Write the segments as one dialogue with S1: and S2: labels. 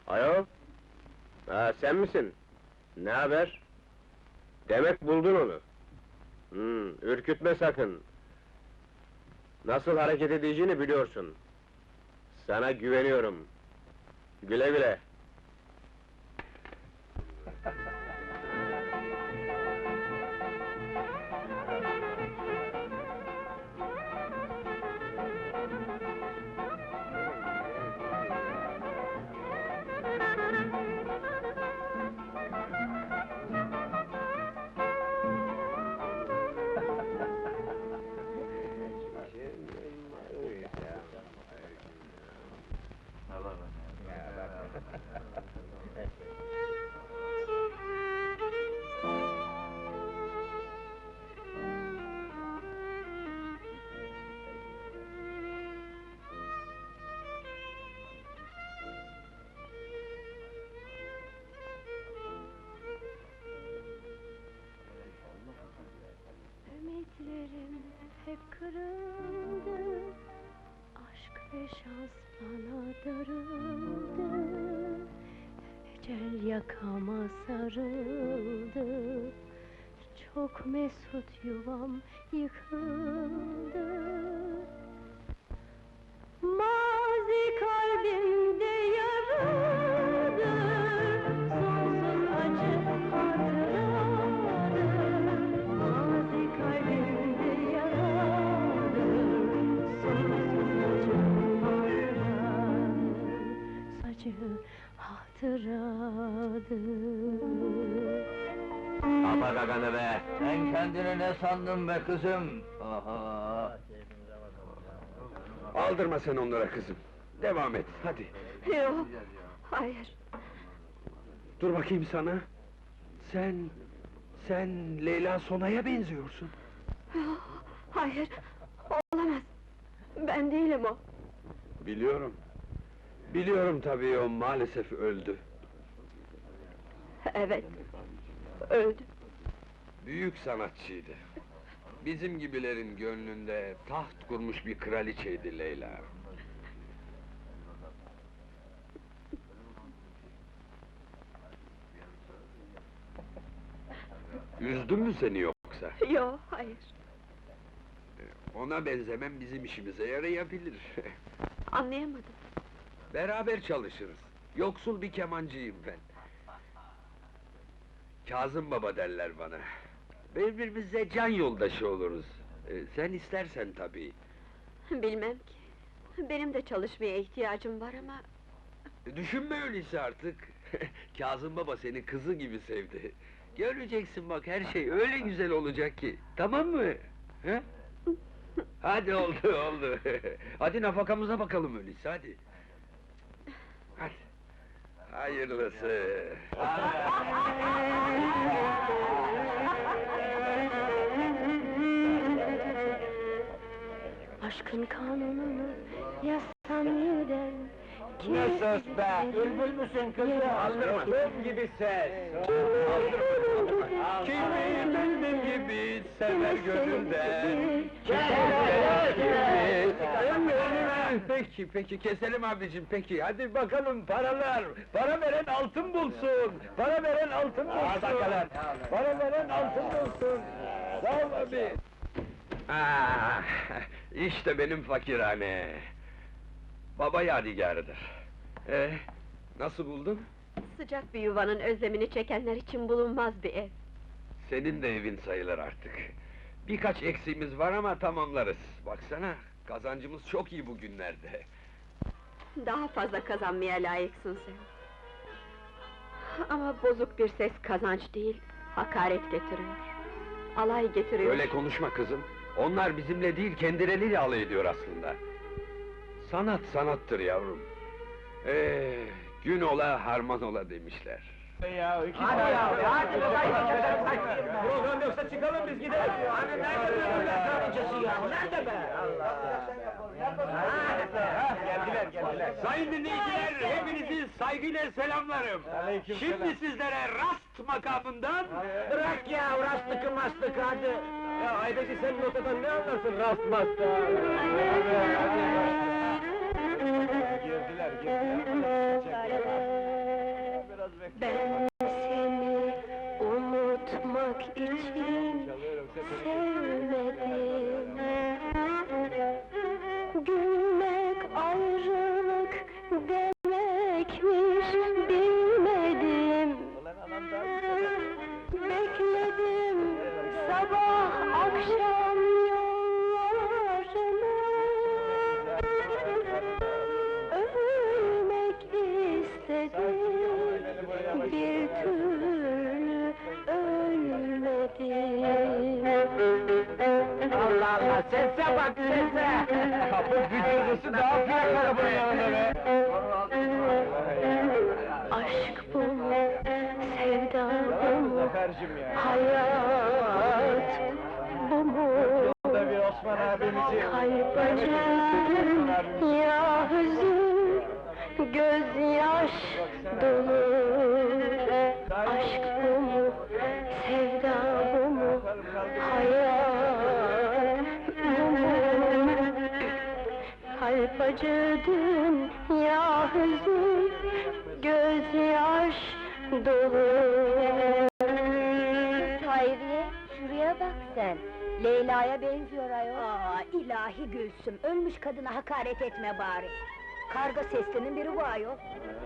S1: Alo? Ha, sen misin? Ne haber? Demek buldun onu. Ürkütme sakın. Nasıl hareket edeceğini biliyorsun. Sana güveniyorum. Güle güle.
S2: Ümitlerim hep kırıldı, aşk ve şans bana darıldı. Ecel yakama sarıldı, çok mesut yuvam yıkıldı. Mazi kalbimde yaradır, sonsuz acı hatıradır. Mazi kalbimde yaradır, sonsuz acı hatıradır.
S3: Kapa gaganı be! Sen kendini ne sandın be kızım? Aha!
S4: Aldırma sen onlara kızım. Devam et, hadi.
S2: Yok, hayır.
S4: Dur bakayım sana. Sen Leyla Sona'ya benziyorsun.
S2: Hayır, olamaz. Ben değilim o.
S4: Biliyorum. Biliyorum tabii, o maalesef öldü.
S2: Evet, öldü.
S4: Büyük sanatçıydı. Bizim gibilerin gönlünde taht kurmuş bir kraliçeydi Leyla. Üzdün mü seni yoksa?
S2: Yok, hayır.
S4: Ona benzemem bizim işimize yarayabilir.
S2: Anlayamadım.
S4: Beraber çalışırız. Yoksul bir kemancıyım ben. Kazım Baba derler bana. Birbirimize can yoldaşı oluruz. Sen istersen tabii.
S2: Bilmem ki. Benim de çalışmaya ihtiyacım var ama...
S4: Düşünme öyleyse artık. Kazım Baba seni kızı gibi sevdi. Göreceksin bak, her şey öyle güzel olacak ki. Tamam mı? He? Hadi oldu. Hadi nafakamıza bakalım öyleyse, hadi. Hadi. Hayırlısı.
S2: Aşkın kanununu yazsam yeniden...
S3: Ne söz be! Bülbül müsün kızım?
S4: Aldırma.
S3: Bülbül gibi ses!
S4: Kimi benim gibi sever gönlümden. Peki, keselim abicim, peki. Hadi bakalım, paralar! Para veren altın bulsun! Para veren altın bulsun! Para veren altın bulsun! Sağ ol abi! İşte benim fakirhane! Baba yadigarıdır. Nasıl buldun?
S2: Sıcak bir yuvanın özlemini çekenler için bulunmaz bir ev.
S4: Senin de evin sayılır artık. Birkaç eksiğimiz var ama tamamlarız. Baksana, kazancımız çok iyi bugünlerde.
S2: Daha fazla kazanmaya layıksın sen. Ama bozuk bir ses kazanç değil, hakaret getiriyor. Alay getiriyor.
S4: Öyle konuşma kızım. Onlar bizimle değil, kendileriyle alay ediyor aslında. Sanat sanattır yavrum. Gün ola harman ola demişler.
S3: Hadi program yoksa çıkalım biz gidelim! Hani nerede böyle kraliçesi ya? Nerede be? Geldiler!
S4: Sayın dinleyiciler, hepinizi saygıyla selamlarım. Şimdi sizlere rast makamından...
S3: Bırak ya, rastlıkı mastıkı hadi! Ya Aybeci, sen notadan ne anlarsın rast mastığa? Girdiler.
S5: Ayrılmak için sevmedim. Gülmek ayrılık demekmiş bilmedim. Bekledim sabah akşam yollarını. Ölmek istedim, bir türlü ölmedim.
S3: Allah Allah, sese bak sese! Kapı güçlüsü daha büyük arabanın yanında be!
S5: Aşk bu, sevda bu mu,
S3: Zafer'cim ya!
S5: hayat bu mu?
S3: Yolda bir Osman abimizi...
S5: Kalp acı, ya hüzün, gözyaş dolu. Aşk bu mu, sevda bu mu, hayat bu mu? Kalp acıdın, ya hüzün, gözyaş dolu.
S6: Hayriye, şuraya bak sen. Leyla'ya benziyor ayol. Aa, ilahi Gülsüm, ölmüş kadına hakaret etme bari. Karga seslerinin biri bu ayol.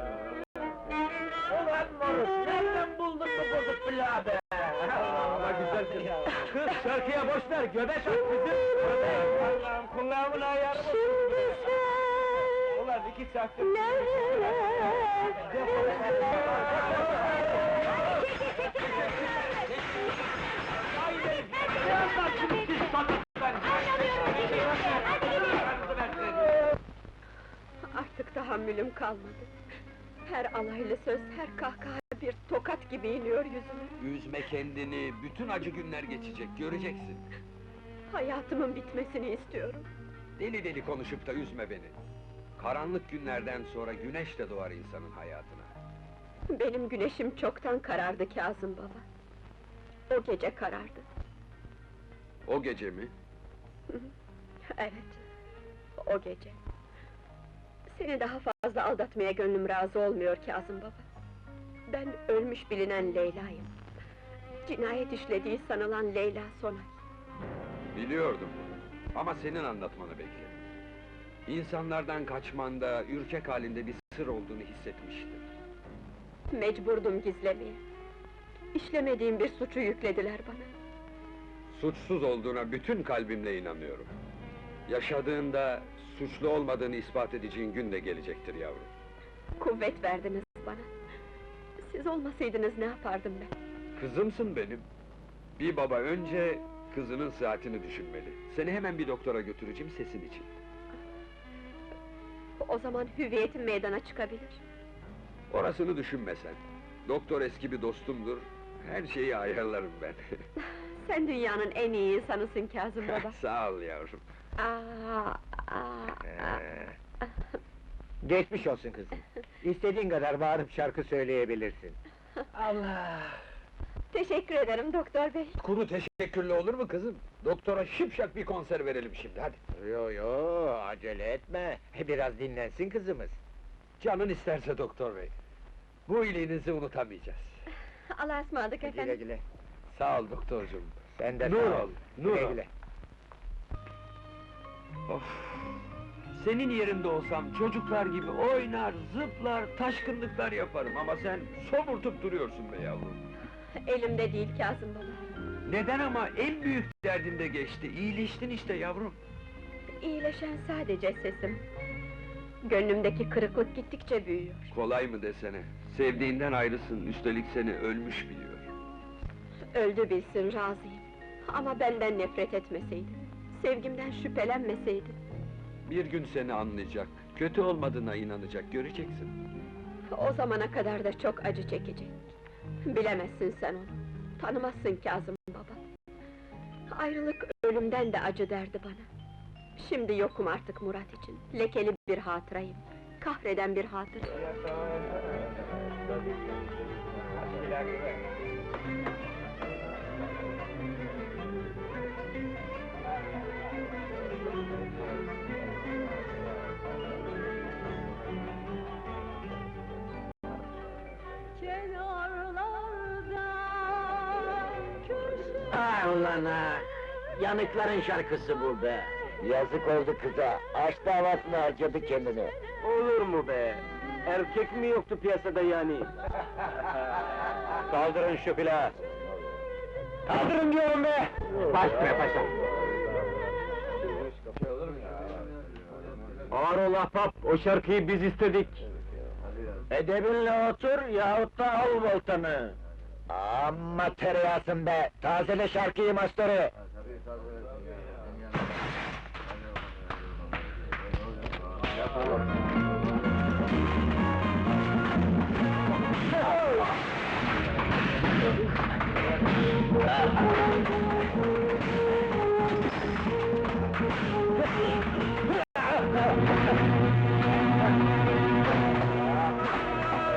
S3: Ulan moruk, nereden buldun bu bozuk pilavı be? Ama güzel kız. Kız şarkıya boş ver, göbek at kızım. Allah'ım kulağımın ayarı bozuldu.
S5: Şimdi sen
S3: Ulan 2 saattir...
S2: Artık tahammülüm kalmadı. Her alaylı söz, her kahkaha bir tokat gibi iniyor yüzüme.
S4: Üzme kendini, bütün acı günler geçecek, göreceksin.
S2: Hayatımın bitmesini istiyorum.
S4: Deli deli konuşup da üzme beni. Karanlık günlerden sonra güneş de doğar insanın hayatına.
S2: Benim güneşim çoktan karardı Kazım baba. O gece karardı.
S4: O gece mi?
S2: Evet, o gece. Seni daha fazla aldatmaya gönlüm razı olmuyor Kazım baba. Ben ölmüş bilinen Leyla'yım. Cinayet işlediği sanılan Leyla Sonay.
S4: Biliyordum ama senin anlatmanı bekledim. İnsanlardan kaçmanda, ürkek halinde bir sır olduğunu hissetmiştim.
S2: Mecburdum gizlemeye. İşlemediğim bir suçu yüklediler bana.
S4: Suçsuz olduğuna bütün kalbimle inanıyorum. Yaşadığında suçlu olmadığını ispat edeceğin gün de gelecektir yavrum.
S2: Kuvvet verdiniz bana. Siz olmasaydınız ne yapardım ben?
S4: Kızımsın benim. Bir baba önce kızının sıhhatini düşünmeli. Seni hemen bir doktora götüreceğim sesin için.
S2: O zaman hüviyetim meydana çıkabilir.
S4: Orasını düşünme sen. Doktor eski bir dostumdur. Her şeyi ayarlarım ben.
S2: Sen dünyanın en iyi insanısın Kazım baba.
S4: Sağ ol yavrum.
S3: Geçmiş olsun kızım. İstediğin kadar bağırıp şarkı söyleyebilirsin. Allah!
S2: Teşekkür ederim doktor bey.
S4: Kuru teşekkürlü olur mu kızım? Doktora şipşak bir konser verelim şimdi, hadi.
S3: Yo, acele etme. Biraz dinlensin kızımız.
S4: Canın isterse doktor bey. Bu iyiliğinizi unutamayacağız.
S2: Allah'a ısmarladık
S3: Güle
S2: efendim.
S3: güle.
S4: Sağ ol doktorcuğum.
S3: Sen de
S4: Nur
S3: sağ
S4: ol, nur
S3: Güle
S4: ol.
S3: güle.
S4: Of! Senin yerinde olsam çocuklar gibi oynar, zıplar, taşkınlıklar yaparım ama sen somurtup duruyorsun be yavrum.
S2: Elimde değil Kazım baba.
S4: Neden ama en büyük derdin de geçti, iyileştin işte yavrum.
S2: İyileşen sadece sesim. Gönlümdeki kırıklık gittikçe büyüyor.
S4: Kolay mı desene, sevdiğinden ayrısın, üstelik seni ölmüş biliyor.
S2: Öldü bilsin razıyım. Ama benden nefret etmeseydi. Sevgimden şüphelenmeseydi.
S4: Bir gün seni anlayacak, kötü olmadığına inanacak, göreceksin.
S2: O zamana kadar da çok acı çekecek. Bilemezsin sen onu. Tanımazsın Kazım baba. Ayrılık ölümden de acı derdi bana. Şimdi yokum artık Murat için. Lekeli bir hatırayım. Kahreden bir hatıra.
S5: Kenarlarda
S3: Ah ulan ha! Yanıkların şarkısı bu be!
S7: Yazık oldu kıza, aşk davasına harcadı kendini.
S1: Olur mu be? Erkek mi yoktu piyasada yani? Kaldırın şu plağı! Kaldırın diyorum be! Baş be paşa! Ağır ol ahbap, o şarkıyı biz istedik.
S7: Edebinle otur yahut da al voltanı. Amma tereyağısın be, tazele şarkıyı masterı.
S1: Yapalım.